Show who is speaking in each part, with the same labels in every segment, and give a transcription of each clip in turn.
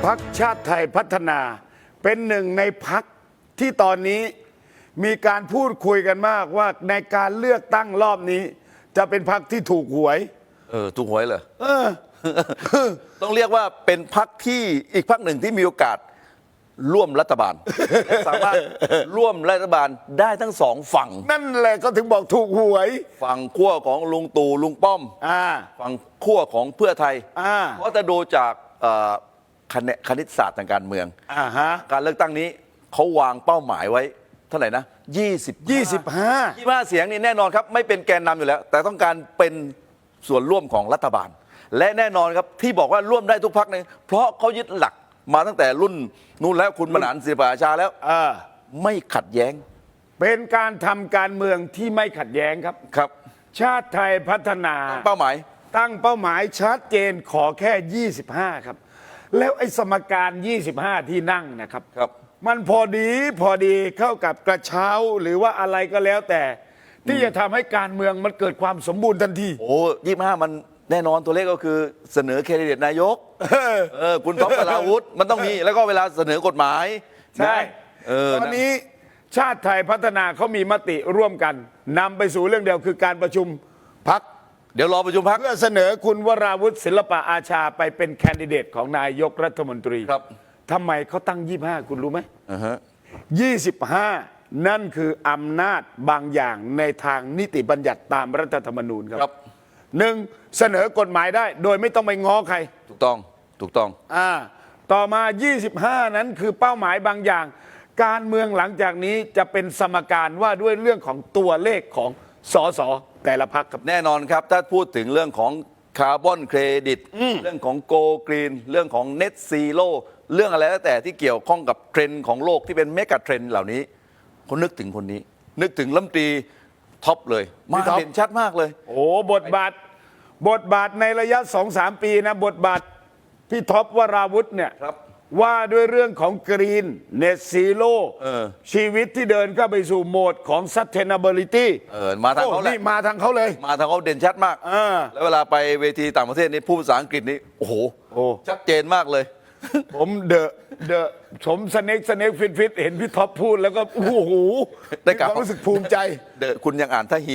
Speaker 1: พรรคชาติไทยพัฒนาเป็นหนึ่งในพรรคที่ตอนนี้มีการพูดคุยกันมากว่าในการเลือกตั้งรอบนี้จะเป็นพรรคที่ถูกหวย
Speaker 2: ถูกหวยเหรอต้องเรียกว่าเป็นพรรคที่อีกพรรคหนึ่งที่มีโอกาสร่วมรัฐบาล และสามารถร่วมรัฐบาลได้ทั้งสองฝั่ง
Speaker 1: นั่นแหละก็ถึงบอกถูกหวย
Speaker 2: ฝั่งขั้วของลุงตู่ลุงป้อมฝั่งขั้วของเพื่อไทยเพราะจะดูจากคณิตศาสตร์ทางการเมืองการเลือกตั้งนี้เขาวางเป้าหมายไว้เท่าไหร่นะ25เสียงนี่แน่นอนครับไม่เป็นแกนนำอยู่แล้วแต่ต้องการเป็นส่วนร่วมของรัฐบาลและแน่นอนครับที่บอกว่าร่วมได้ทุกพรรคเนี่ยเพราะเขายึดหลักมาตั้งแต่รุ่นนู้นแล้วคุณบรรหารศิลปอาชาแล้วไม่ขัดแย้ง
Speaker 1: เป็นการทำการเมืองที่ไม่ขัดแย้งครับชาติไทยพัฒนา
Speaker 2: เป้าหมาย
Speaker 1: ตั้งเป้าหมายชัดเจนขอแค่25ครับแล้วไอ้สมการ25ที่นั่งนะครับมันพอดีเข้ากับกระเช้าหรือว่าอะไรก็แล้วแต่ที่จะทำให้การเมืองมันเกิดความสมบูรณ์ทันที
Speaker 2: 25มันแน่นอนตัวเลขก็คือเสนอแคนดิเดตนายกคุณท็อป วราวุธมันต้องมีแล้วก็เวลาเสนอกฎหมาย
Speaker 1: ใช่ตอนนี้ชาติไทยพัฒนาเขามีมติร่วมกันนำไปสู่เรื่องเดียวคือการประชุมพรรค
Speaker 2: เดี๋ยวรอประชุมพรรค
Speaker 1: เพื่อเสนอคุณวราวุธศิลปะอาชาไปเป็นแคนดิเดตของนายกรัฐมนตรี
Speaker 2: ครับ
Speaker 1: ทำไมเขาตั้ง25คุณรู้ไหม25นั่นคืออำนาจบางอย่างในทางนิติบัญญัติตามรัฐธรรมนูญครับหนึ่งเสนอกฎหมายได้โดยไม่ต้องไปง้อใคร
Speaker 2: ถูกต้อง
Speaker 1: ต่อมา25นั้นคือเป้าหมายบางอย่างการเมืองหลังจากนี้จะเป็นสมการว่าด้วยเรื่องของตัวเลขของสสแต่ละพรรคครับ
Speaker 2: แน่นอนครับถ้าพูดถึงเรื่องของคาร์บอนเครดิตเรื่องของโกลกรีนเรื่องของเน็ตซีโร่เรื่องอะไรแล้วแต่ที่เกี่ยวข้องกับเทรนด์ของโลกที่เป็นเมกะเทรนด์เหล่านี้เขานึกถึงคนนี้นึกถึงรัฐมนตรีท็อปเลยมาเด่นชัดมากเลย
Speaker 1: โอ้บทบาทในระยะ 2-3 ปีนะบทบาทพี่ท็อปวราวุธเนี่ยว่าด้วยเรื่องของกรีนเนตซีโร่ชีวิตที่เดินเข้าไปสู่โหมดของ sustainability
Speaker 2: มาทางเขาเลย
Speaker 1: มาทางเขาเลย
Speaker 2: มาทางเขาเด่นชัดมากแล้วเวลาไปเวทีต่างประเทศนี่พูดภาษาอังกฤษนี่โอ้โหชัดเจนมากเลย
Speaker 1: ผมผมสเน็กฟิตเห็นพี่ท็อปพูดแล้วก็โอ้โหได้ความรู้สึกภูมิใจ
Speaker 2: คุณยังอ่านท่าฮี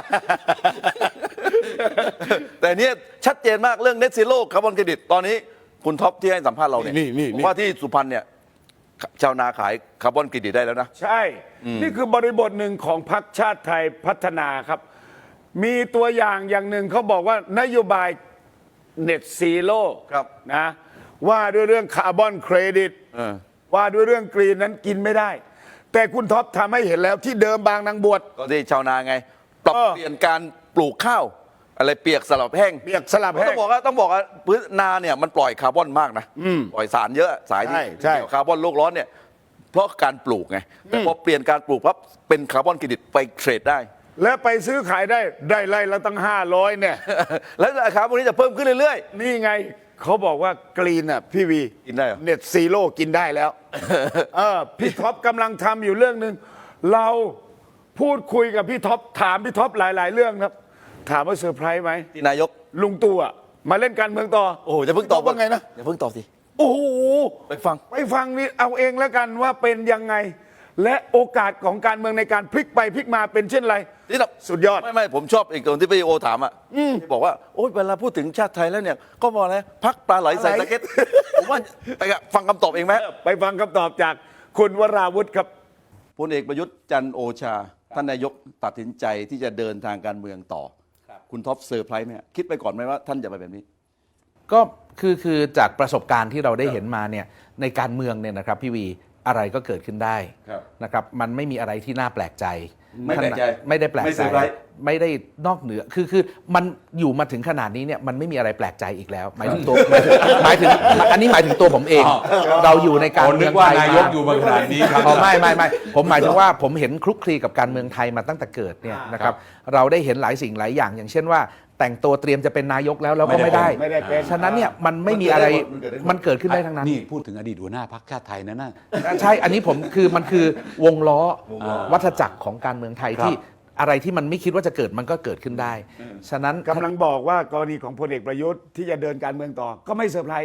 Speaker 2: แต่เนี้ยชัดเจนมากเรื่อง Net Zero คาร์บอนเครดิตตอนนี้คุณท็อปที่ให้สัมภาษณ์เราเนี่ยว่าที่สุพรรณเนี่ยชาวนาขายคาร์บอนเครดิตได้แล้วนะ
Speaker 1: ใช่นี่คือบริบทหนึ่งของพรรคชาติไทยพัฒนาครับมีตัวอย่างหนึ่งเขาบอกว่านโยบาย Net Zero นะว่าด้วยเรื่องคาร์บอนเครดิตว่าด้วยเรื่องกรีนนั้นกินไม่ได้แต่คุณท็อปทำให้เห็นแล้วที่เดิมบางนางบวช
Speaker 2: ก็ที่ชาวนาไงปรับเปลี่ยนการปลูกข้าวอะไรเปียกสลับแห้งต้องบอกว่าพื้นนาเนี่ยมันปล่อยคาร์บอนมากนะปล่อยสารเยอะสายที่เกี่ยวคาร์บอนโลกร้อนเนี่ยเพราะการปลูกไงแต่พอเปลี่ยนการปลูกปั๊บเป็นคาร์บอนเครดิตไปเทรดได้
Speaker 1: และไปซื้อขายได้ไร่ละตั้ง500เนี่ย
Speaker 2: แล้วราคาพวกนี้จะเพิ่มขึ้นเรื่อย
Speaker 1: ๆนี่ไงเขาบอกว่ากรีนอ่ะพี่วี
Speaker 2: กินได้เหรอ
Speaker 1: เน็ตซีโร่กินได้แล้วพี่ท็อปกำลังทำอยู่เรื่องหนึ่งเราพูดคุยกับพี่ท็อปถามพี่ท็อปหลายๆเรื่องครับถามว่าเซอร์ไพรส์ไหม
Speaker 2: ที่นายก
Speaker 1: ลุงตู่มาเล่นการเมืองต่อ
Speaker 2: โอ้จะเพิ่งตอบ
Speaker 1: ว่าไงนะ
Speaker 2: อย่าเพิ่งตอบสิ
Speaker 1: โอ้โห
Speaker 2: ไปฟั
Speaker 1: งนี่เอาเองแล้วกันว่าเป็นยังไงและโอกาสของการเมืองในการพลิกไปพลิกมาเป็นเช่นไร
Speaker 2: นี่
Speaker 1: สุดยอด
Speaker 2: ไม่ผมชอบอีกตรงที่พี่โอถามบอกว่าโอ้ยเวลาพูดถึงชาติไทยแล้วเนี่ยก็บอกแล้วพักปลาไหลใส่ตะเก็ดผมว่าไปฟังคำตอบเองไหม
Speaker 1: ไปฟังคำตอบจากคุณวราวุธครับ
Speaker 2: พลเอกประยุทธ์จันทร์โอชาท่านนายกตัดสินใจที่จะเดินทางการเมืองต่อคุณท็อปเซอร์ไพรส์ไหมคิดไปก่อนไหมว่าท่านจะไปแบบนี้
Speaker 3: ก็คือจากประสบการณ์ที่เราได้เห็นมาเนี่ยในการเมืองเนี่ยนะครับพี่วีอะไรก็เกิดขึ้นได้นะครับมันไม่มีอะไรที่น่าแปลกใจ
Speaker 2: ไม่ได้แปลกใจ
Speaker 3: ไม่ได้นอกเหนือคือมันอยู่มาถึงขนาดนี้เนี่ยมันไม่มีอะไรแปลกใจอีกแล้วหมายถึงตัวหมายถึงอันนี้หมายถึงตัวผมเองเราอยู่ในการเมืองไทย
Speaker 4: นายกอยู่มาขนาดนี้ครับ
Speaker 3: ไม่ผมหมายถึงว่าผมเห็นคลุกคลีกับการเมืองไทยมาตั้งแต่เกิดเนี่ยนะครับเราได้เห็นหลายสิ่งหลายอย่างอย่างเช่นว่าแต่งตัวเตรียมจะเป็นนายกแล้วก็ไม่ได้ฉะนั้นเนี่ยมันไม่มีอะไรมันเกิดขึ้นได้ทั้งนั้น
Speaker 4: นี่พูดถึงอดีตหัวหน้าพรรคชาติไทยนั่นน่ะ
Speaker 3: ใช่อันนี้มันคือวงล้อวัฏจักรของการเมืองไทยที่อะไรที่มันไม่คิดว่าจะเกิดมันก็เกิดขึ้นได้ฉะนั้น
Speaker 1: กำลังบอกว่ากรณีของพลเอกประยุทธ์ที่จะเดินการเมืองต่อก็ไม่เซอร์ไพรส์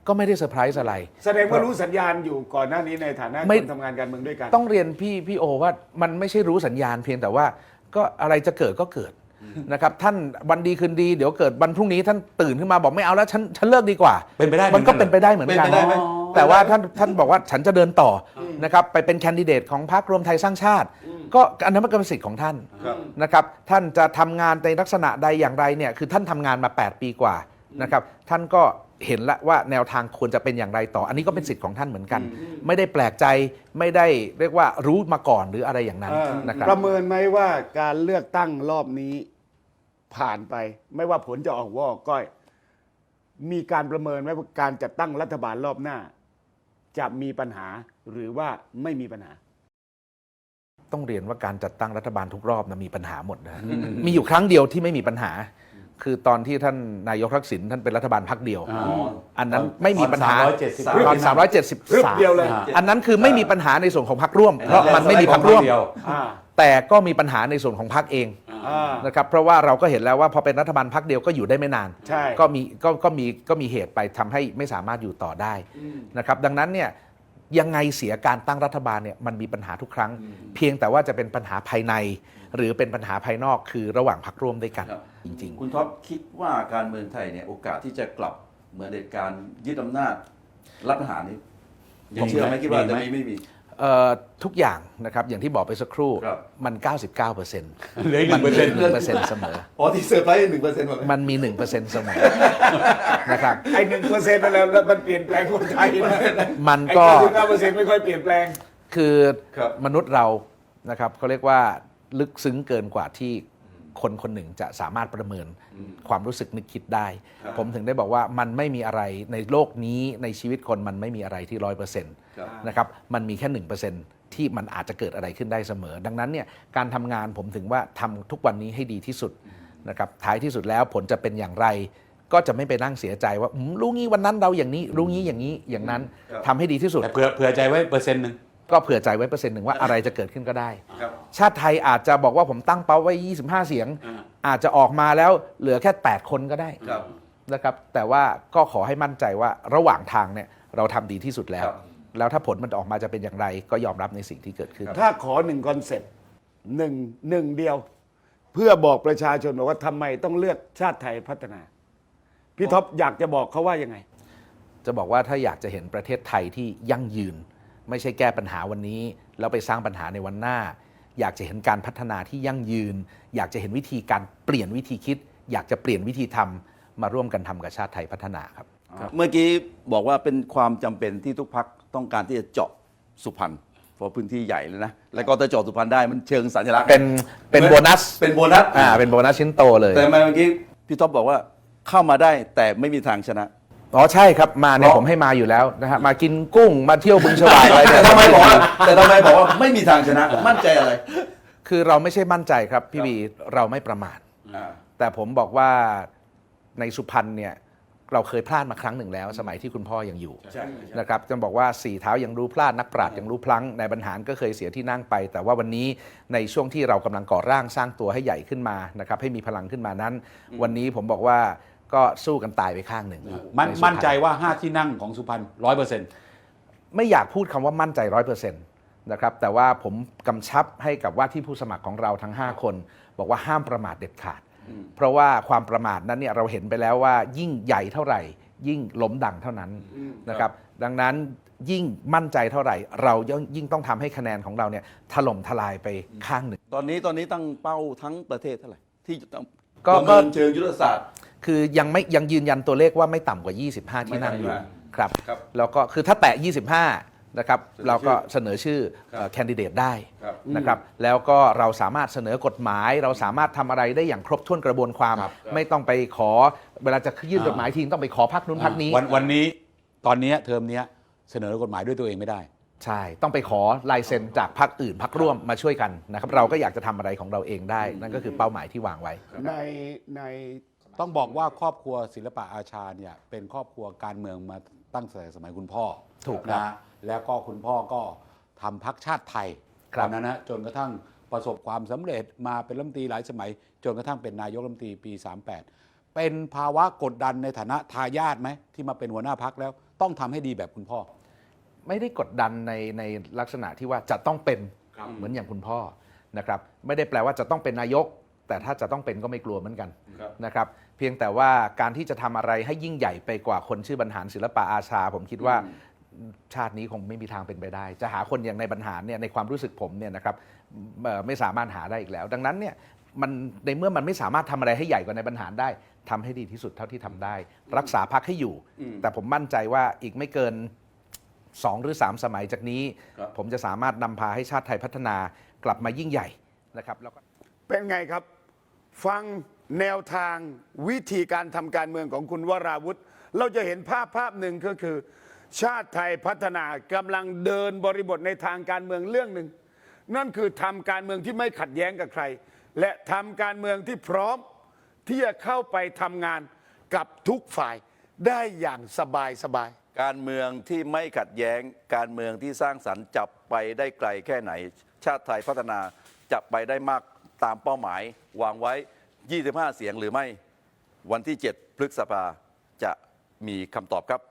Speaker 3: ก็ไม่ได้เซอร์ไพรส์อะไร
Speaker 1: แสดงว่ารู้สัญญาณอยู่ก่อนหน้านี้ในฐานะ
Speaker 3: ไม่
Speaker 1: คนทำงานการเมืองด้วยกัน
Speaker 3: ต้องเรียนพี่โอว่ามันไม่ใช่รู้สัญญาณเพียงแต่ว่าก็อะไรจะเกิดก็เกิดนะครับท่านวันดีคืนดีเดี๋ยวเกิดวันพรุ่งนี้ท่านตื่นขึ้นมาบอกไม่เอาแล้วฉันเลิกดีกว่า
Speaker 4: เป็นไปได้
Speaker 3: มันก็
Speaker 4: เหมือนกัน
Speaker 3: เป็นไปได้เหมือนกัน
Speaker 2: เป็นไปได้ไหม
Speaker 3: แต่ว่าท่านบอกว่าฉันจะเดินต่อนะครับไปเป็นแคนดิเดตของพรรครวมไทยสร้างชาติ ก็อันนั้นมันก็เป็นสิทธิ์ของท่าน
Speaker 2: ครับ
Speaker 3: นะครับท่านจะทำงานในลักษณะใดอย่างไรเนี่ยคือท่านทำงานมา 8 ปีกว่านะครับท่านก็เห็นแล้วว่าแนวทางควรจะเป็นอย่างไรต่อ อันนี้ก็เป็นสิทธิ์ของท่านเหมือนกัน ไม่ได้แปลกใจไม่ได้เรียกว่ารู้มาก่อนหรืออะไรอย่างนั้นนะครับ
Speaker 1: ประเมินไหมว่าการเลือกตั้งรอบนี้ผ่านไป ไม่ว่าผลจะออกว่าออกก้อย มีการประเมินไหมว่าการจัดตั้งรัฐบาลรอบหน้า จะมีปัญหาหรือว่าไม่มีปัญหา
Speaker 3: ต้องเรียนว่าการจัดตั้งรัฐบาลทุกรอบนะมีปัญหาหมดนะมีอยู่ครั้งเดียวที่ไม่มีปัญหา คือตอนที่ท่านนายกทักษิณท่านเป็นรัฐบาลพรรคเดียว อันนั้นไม่มีปัญหา
Speaker 4: ตอน
Speaker 3: ตอน
Speaker 1: รึบเดียวเลย
Speaker 3: 373อันนั้นคือไม่มีปัญหาในส่วนของพรรคร่วม เพราะมันไม่มีพรรคร่วม
Speaker 1: อ่า
Speaker 3: แต่ก็มีปัญหาในส่วนของพรรคเอง
Speaker 1: อ่า
Speaker 3: นะครับเพราะว่าเราก็เห็นแล้วว่าพอเป็นรัฐบาลพรรคเดียวก็อยู่ได้ไม่นาน
Speaker 1: ใช่
Speaker 3: ก็มีเหตุไปทำให้ไม่สามารถอยู่ต่อได้นะครับดังนั้นเนี่ยยังไงเสียการตั้งรัฐบาลเนี่ยมันมีปัญหาทุกครั้ง เพียงแต่ว่าจะเป็นปัญหาภายใน หรือเป็นปัญหาภายนอกคือระหว่างพรรคร่วมด้วยกัน
Speaker 2: ครับ
Speaker 3: จริง
Speaker 2: คุณท็อปคิดว่าการเมืองไทยเนี่ยโอกาสที่จะกลับเหมือนเหตุการณ์ยึดอำนาจรัฐประหารนี้ผมเชื่อไหมคิดว่าจะไม่มี
Speaker 3: ๆทุกอย่างนะครับอย่างที่บอกไปสักครู่
Speaker 2: ครับ
Speaker 3: มัน 99%
Speaker 4: เหลืออีก
Speaker 3: มันมี
Speaker 4: 1%
Speaker 3: 1%เสมอ
Speaker 2: อ๋อที่เซอร์ไพรส์1%หมดเลย
Speaker 3: มันมี 1%เสมอนะครับ
Speaker 1: ไอ้1%นั่นแหละแล้วมันเปลี่ยนแปลงคนไทยนะ
Speaker 3: มัน
Speaker 1: ไอ้
Speaker 3: ก็
Speaker 1: 99%ไม่ค่อยเปลี่ยนแปลง
Speaker 3: คือ
Speaker 2: ครับ
Speaker 3: มนุษย์เรานะครับเขาเรียกว่าลึกซึ้งเกินกว่าที่คนคนหนึ่งจะสามารถประเมินความรู้สึกนึกคิดได้
Speaker 2: ครับ
Speaker 3: ผมถึงได้บอกว่ามันไม่มีอะไรในโลกนี้ในชีวิตคนมันไม่มีอะไรที่ 100% นะครับมันมีแค่ 1%ที่มันอาจจะเกิดอะไรขึ้นได้เสมอ ดังนั้นเนี่ยการทำงานผมถึงว่าทำทุกวันนี้ให้ดีที่สุดนะครับท้ายที่สุดแล้วผลจะเป็นอย่างไร ก็จะไม่ไปนั่งเสียใจว่ารู้งี้วันนั้นเราอย่างนี้รู้งี้อย่างนี้อย่างนั้น
Speaker 2: ครับ
Speaker 3: ทำให้ดีที่สุด
Speaker 4: แต่เผื่อใจไว้1%
Speaker 3: ก็เผื่อใจไว้%ว่าอะไรจะเกิดขึ้นก็ได้
Speaker 2: ครับ
Speaker 3: ชาติไทยอาจจะบอกว่าผมตั้งเป้าไว้ 25 เสียง อาจจะออกมาแล้วเหลือแค่ 8 คนก็ได้
Speaker 2: ครับ
Speaker 3: นะครับ แต่ว่าก็ขอให้มั่นใจว่าระหว่างทางเนี่ยเราทำดีที่สุดแล้ว
Speaker 2: ครับ
Speaker 3: แล้วถ้าผลมันออกมาจะเป็นอย่างไร ก็ยอมรับในสิ่งที่เกิดขึ้น
Speaker 1: ถ้าขอ1คอนเซ็ปต์หนึ่งเดียว เพื่อบอกประชาชนบอกว่าทำไมต้องเลือกชาติไทยพัฒนา พี่ท็อปอยากจะบอกเขาว่ายังไง
Speaker 3: จะบอกว่าถ้าอยากจะเห็นประเทศไทยที่ยั่งยืน ไม่ใช่แก้ปัญหาวันนี้ แล้วไปสร้างปัญหาในวันหน้า อยากจะเห็นการพัฒนาที่ยั่งยืน อยากจะเห็นวิธีการเปลี่ยนวิธีคิด อยากจะเปลี่ยนวิธีทำมาร่วมกันทำกับชาติไทยพัฒนาครับ
Speaker 2: เมื่อกี้บอกว่าเป็นความจำเป็นที่ทุกพักต้องการที่จะเจาะสุพรรณเพราะพื้นที่ใหญ่เลยนะ แล้วก็ถ้าเจาะสุพรรณได้มันเชิงสัญลักษณ์
Speaker 3: เป็นโบนัส
Speaker 2: เป็นโบนัส
Speaker 3: เป็นโบนัสชิ้นโตเลย
Speaker 2: แต่ทำไมเมื่อกี้พี่ท็อปบอกว่าเข้ามาได้แต่ไม่มีทางชนะ
Speaker 3: อ๋อใช่ครับมาเนี่ย
Speaker 2: เพราะ
Speaker 3: ผมให้มาอยู่แล้วนะฮะมากินกุ้งมาเที่ยวบึงฉวากอะไรเนี่ย
Speaker 2: แต่ทำไมบอกว่าไม่มีทางชนะ มั่นใจอะไร
Speaker 3: คือเราไม่ใช่มั่นใจครับพี่บีเราไม่ประมาท แต่ผมบอกว่าในสุพรรณเนี่ยเราเคยพลาดมาครั้งหนึ่งแล้ว สมัยที่คุณพ่อยังอยู่
Speaker 1: ใช่
Speaker 3: นะครับจะบอกว่าสี่เท้ายังรู้พลาดนักปราชญ์ยังรู้พลั้งในบรรหารก็เคยเสียที่นั่งไป แต่ว่าวันนี้ในช่วงที่เรากำลังก่อร่างสร้างตัวให้ใหญ่ขึ้นมานะครับให้มีพลังขึ้นมานั้น วันนี้ผมบอกว่าก็สู้กันตายไปข้างหนึ่งในสุพรรณ
Speaker 4: มั่นใจว่า 5 ที่นั่งของสุพรรณ100%
Speaker 3: ไม่อยากพูดคำว่ามั่นใจ100%นะครับแต่ว่าผมกำชับให้กับว่าที่ผู้สมัครของเราทั้ง 5 คน บอกว่าห้ามประมาทเด็ดขาด เพราะว่าความประมาทนั้นเนี่ยเราเห็นไปแล้วว่ายิ่งใหญ่เท่าไหร่ ยิ่งล้มดังเท่านั้นนะครับดังนั้นยิ่งมั่นใจเท่าไหร่ เรายิ่งต้องทำให้คะแนนของเราเนี่ยถล่มทลายไปข้างหนึ่ง
Speaker 2: ตอนนี้ตั้งเป้าทั้งประเทศเท่าไหร่ที่จะต้อง
Speaker 3: ก็
Speaker 2: ประเมินเชิงยุทธศาสตร์
Speaker 3: คือยังยืนยันตัวเลขว่าไม่ต่ำกว่า 25 ที่นั่งอยู่
Speaker 2: ไม่ต่ำกว่า
Speaker 3: ครับ
Speaker 2: ครับ
Speaker 3: แล้วก็คือถ้าแตะ 25 นะครับ
Speaker 2: เสนอชื่อ
Speaker 3: เราก็เสนอชื่อ
Speaker 2: ครับ
Speaker 3: แคนดิเดตได้
Speaker 2: ครับ
Speaker 3: นะครับแล้วก็เราสามารถเสนอกฎหมาย เราสามารถทำอะไรได้อย่างครบถ้วนกระบวนความ
Speaker 4: ครับ
Speaker 3: ไม่ต้องไปขอเวลาจะยื่นกฎหมายทีต้องไปขอพักนู้นพักนี้
Speaker 4: วันนี้ตอนนี้เทอมนี้เสนอกฎหมายด้วยตัวเองไม่ได้
Speaker 3: ใช่ ต้องไปขอลายเซ็นจากพักอื่นพักร่วมมาช่วยกันนะครับเราก็อยากจะทำอะไรของเราเองได้ นั่นก็คือเป้าหมายที่วางไว้
Speaker 1: ใน
Speaker 4: ต้องบอกว่าครอบครัวศิลปะอาชาเนี่ยเป็นครอบครัวการเมืองมาตั้งแต่สมัยคุณพ่อ
Speaker 3: ถูกครับ
Speaker 4: นะแล้วก็คุณพ่อก็ทำพรรคชาติไทย
Speaker 3: ครับ
Speaker 4: ตอนนั้นนะจนกระทั่งประสบความสำเร็จมาเป็นรัฐมนตรีหลายสมัย จนกระทั่งเป็นนายกรัฐมนตรีปี 38 เป็นภาวะกดดันในฐานะทายาทไหมที่มาเป็นหัวหน้าพรรคแล้วต้องทำให้ดีแบบคุณพ่อ
Speaker 3: ไม่ได้กดดันในลักษณะที่ว่าจะต้องเป็นเหมือนอย่างคุณพ่อนะครับไม่ได้แปลว่าจะต้องเป็นนายก แต่ถ้าจะต้องเป็นก็ไม่กลัวเหมือนกันนะครับเพียงแต่ว่าการที่จะทำอะไรให้ยิ่งใหญ่ไปกว่าคนชื่อบรรหารศิลปะอาชา ผมคิดว่าชาตินี้คงไม่มีทางเป็นไปได้ จะหาคนอย่างในบรรหารเนี่ยในความรู้สึกผมเนี่ยนะครับไม่สามารถหาได้อีกแล้ว ดังนั้นเนี่ยมันในเมื่อมันไม่สามารถทำอะไรให้ใหญ่กว่าในบรรหารได้ทำให้ดีที่สุดเท่าที่ทำได้ รักษาพรรคให้อยู่ แต่ผมมั่นใจว่าอีกไม่เกิน 2 หรือ 3 สมัยจากนี้ ผมจะสามารถนำพาให้ชาติไทยพัฒนากลับมายิ่งใหญ่นะครับแล้วก็
Speaker 1: เป็นไงครับ ฟังแนวทางวิธีการทำการเมืองของคุณวราวุธ เราจะเห็นภาพหนึ่งก็คือ ชาติไทยพัฒนากำลังเดินบริบทในทางการเมืองเรื่องหนึ่ง นั่นคือทำการเมืองที่ไม่ขัดแย้งกับใคร และทำการเมืองที่พร้อมที่จะเข้าไปทำงานกับทุกฝ่ายได้อย่างสบายๆ
Speaker 2: การเมืองที่ไม่ขัดแย้งการเมืองที่สร้างสรรค์จับไปได้ไกลแค่ไหน ชาติไทยพัฒนาจะไปได้มากตามเป้าหมายวางไว้ 25 เสียงหรือไม่วันที่ 7 พฤษภาจะมีคำตอบครับ